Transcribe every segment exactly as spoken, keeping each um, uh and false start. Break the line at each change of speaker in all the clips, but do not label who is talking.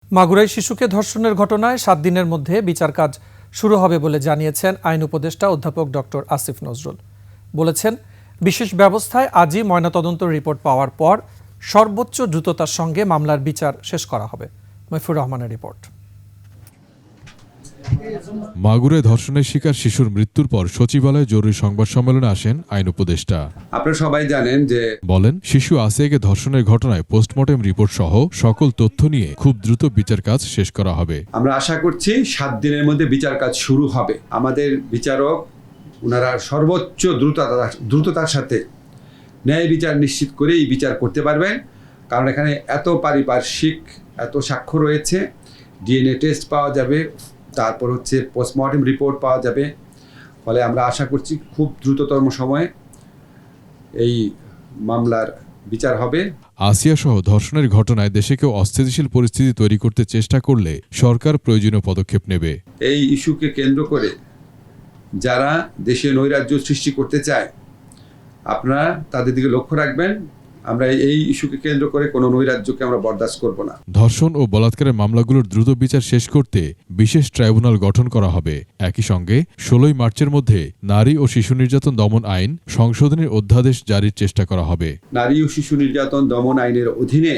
মাগুরায় শিশুকে ধর্ষণের ঘটনায় সাত দিনের মধ্যে বিচার কাজ শুরু হবে বলে জানিয়েছেন আইন উপদেষ্টা অধ্যাপক ডক্টর আসিফ নজরুল। বলেছেন, বিশেষ ব্যবস্থায় আজই ময়নাতদন্ত রিপোর্ট পাওয়ার পর সর্বোচ্চ দ্রুততার সঙ্গে মামলার বিচার শেষ করা হবে। মইফুর রহমানের রিপোর্ট।
মাগুরায় ধর্ষণের শিকার শিশুর মৃত্যুর পর সচিবালয়ে জরুরি সংবাদ সম্মেলনে আসেন আইন উপদেষ্টা।
আপনারা সবাই জানেন যে
বলেন, শিশু আসিয়াকে ধর্ষণের ঘটনায় পোস্টমর্টেম রিপোর্ট সহ সকল তথ্য নিয়ে খুব দ্রুত বিচার কাজ শেষ করা হবে।
আমরা আশা করছি সাত দিনের মধ্যে বিচার কাজ শুরু হবে। আমাদের বিচারক ওনারা সর্বোচ্চ দ্রুততা দ্রুততার সাথে ন্যায় বিচার নিশ্চিত করে এই বিচার করতে পারবেন, কারণ এখানে এত পারিপার্শ্বিক এত সাক্ষ্য রয়েছে, ডিএনএ টেস্ট পাওয়া যাবে, তারপর হচ্ছে পোস্টমর্টেম রিপোর্ট পাওয়া যাবে। ফলে আমরা আশা করছি খুব দ্রুততম সময়ে এই মামলার বিচার হবে।
আসিয়া সহ ধর্ষণের ঘটনায় দেশে কেউ অস্থিতিশীল পরিস্থিতি তৈরি করতে চেষ্টা করলে সরকার প্রয়োজনীয় পদক্ষেপ নেবে।
এই ইস্যুকে কেন্দ্র করে যারা দেশে নৈরাজ্য সৃষ্টি করতে চায়, আপনারা তাদের দিকে লক্ষ্য রাখবেন। আমরা এই ইস্যুকে কেন্দ্র করে কোনো নৈরাজ্যকে আমরা বরদাস্ত করব না।
ধর্ষণ ও বলাৎকারের মামলাগুলোর দ্রুত বিচার শেষ করতে বিশেষ ট্রাইব্যুনাল গঠন করা হবে। একই সঙ্গে ষোলোই মার্চের মধ্যে নারী ও শিশু নির্যাতন দমন আইন সংশোধনের অধ্যাদেশ জারির চেষ্টা করা হবে।
নারী ও শিশু নির্যাতন দমন আইনের অধীনে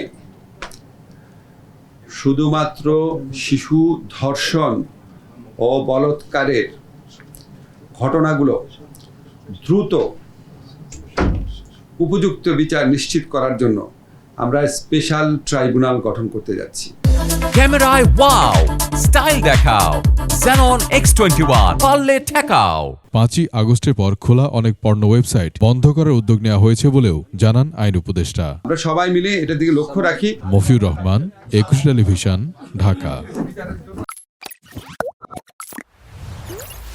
শুধুমাত্র শিশু ধর্ষণ ও বলাৎকারের ঘটনাগুলো দ্রুত উপযুক্ত বিচার নিশ্চিত করার জন্য আমরা স্পেশাল ট্রাইব্যুনাল গঠন করতে যাচ্ছি।
ক্যামেরায় ওয়াও, স্টাইল দেখাও, Xenon এক্স টোয়েন্টি ওয়ান, পারলে ঠেকাও।
পাঁচই আগস্টের পর খোলা অনেক পর্নো ওয়েবসাইট বন্ধ করার উদ্যোগ নেওয়া হয়েছে বলেও জানান আইন উপদেষ্টা।
আমরা সবাই মিলে এটার দিকে লক্ষ্য রাখি।
মফিউর রহমান, একুশে টেলিভিশন, ঢাকা।